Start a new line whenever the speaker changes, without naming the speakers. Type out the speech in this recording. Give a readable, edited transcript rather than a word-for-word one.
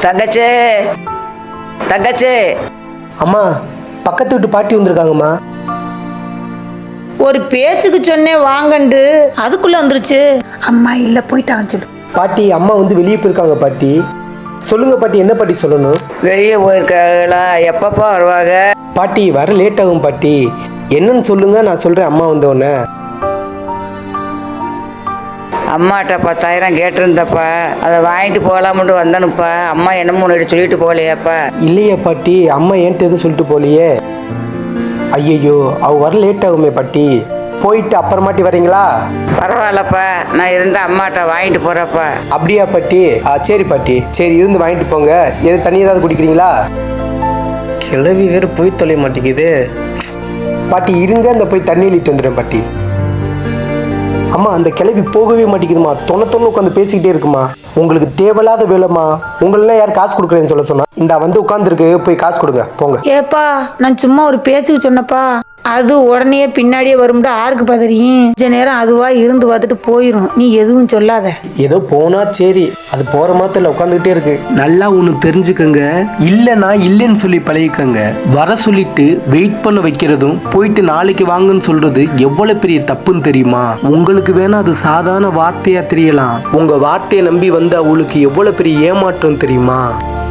தங்கச்சே தங்கச்சே.
அம்மா, பக்கத்து வீட்டு பாட்டி வந்திருக்காங்கம்மா.
ஒரு பேச்சுக்கு சொன்னேன் வாங்கண்டு, அதுக்குள்ள வந்துருச்சு. அம்மா இல்ல போயிட்டான்னு சொல்லு.
பாட்டி, அம்மா வந்து வெளியே போயிருக்காங்க பாட்டி. சொல்லுங்க பாட்டி, என்ன பாட்டி சொல்லணும்?
வெளியே போயிருக்காங்களா? எப்பப்பா வருவாங்க?
பாட்டி வர லேட் ஆகும் பாட்டி. என்னன்னு சொல்லுங்க, நான் சொல்றேன் அம்மா வந்தோடனே.
அம்மாட்ட 10,000 கேட்டிருந்தப்பா, அதை வாங்கிட்டு போகலாம்னு வந்தனுப்பா. அம்மா என்னமோ ஒன்று சொல்லிட்டு போகலையாப்பா?
இல்லையா பாட்டி, அம்மா என்கிட்ட எதுவும் சொல்லிட்டு போலையே. ஐயோ, அவ வர லேட் ஆகுமே பாட்டி. போயிட்டு அப்புறமாட்டி வரீங்களா?
பரவாயில்லப்பா, நான் இருந்த அம்மாட்ட வாங்கிட்டு போகிறப்பா.
அப்படியா பாட்டி? சரி பாட்டி, சரி இருந்து வாங்கிட்டு போங்க. எது தண்ணி ஏதாவது குடிக்கிறீங்களா? கிளவி வேறு போய் தொலைய மாட்டேங்குது. பாட்டி இருங்க, இந்த போய் தண்ணி இழுட்டு வந்துடுறேன் பாட்டி. அம்மா, அந்த கிளவி போகவே மாட்டேங்குதுமா. தொண்ணு உட்காந்து பேசிக்கிட்டே இருக்குமா. உங்களுக்கு தேவையில்லாத வேலைம்மா. உங்களெல்லாம் யார் காசு கொடுக்குறேன்னு சொல்ல சொன்னா? இந்த வந்து உட்காந்துருக்கு, போய் காசு கொடுங்க போங்க.
ஏப்பா, நான் சும்மா ஒரு பேச்சுக்கு சொன்னப்பா. அது உடனே பின்னாடியே வரும்டா. ஆருக்கு தெரியும்? கொஞ்ச நேரம் அதுவா இருந்து பார்த்துட்டு போயிடும். நீ எதுவும் சொல்லாத.
ஏதோ போனா சரி, அது போற மாதிரி உட்காந்துக்கிட்டே இருக்கு. நல்லா ஒன்று தெரிஞ்சுக்கங்க, இல்லைன்னா இல்லைன்னு சொல்லி பழகிக்கங்க. வர சொல்லிட்டு வெயிட் பண்ண வைக்கிறதும் போயிட்டு நாளைக்கு வாங்கன்னு சொல்றது எவ்வளவு பெரிய தப்புன்னு தெரியுமா? உங்களுக்கு வேணா அது சாதாரண வார்த்தையா தெரியலாம். உங்க வார்த்தையை நம்பி வந்து அவளுக்கு எவ்வளவு பெரிய ஏமாற்றம் தெரியுமா?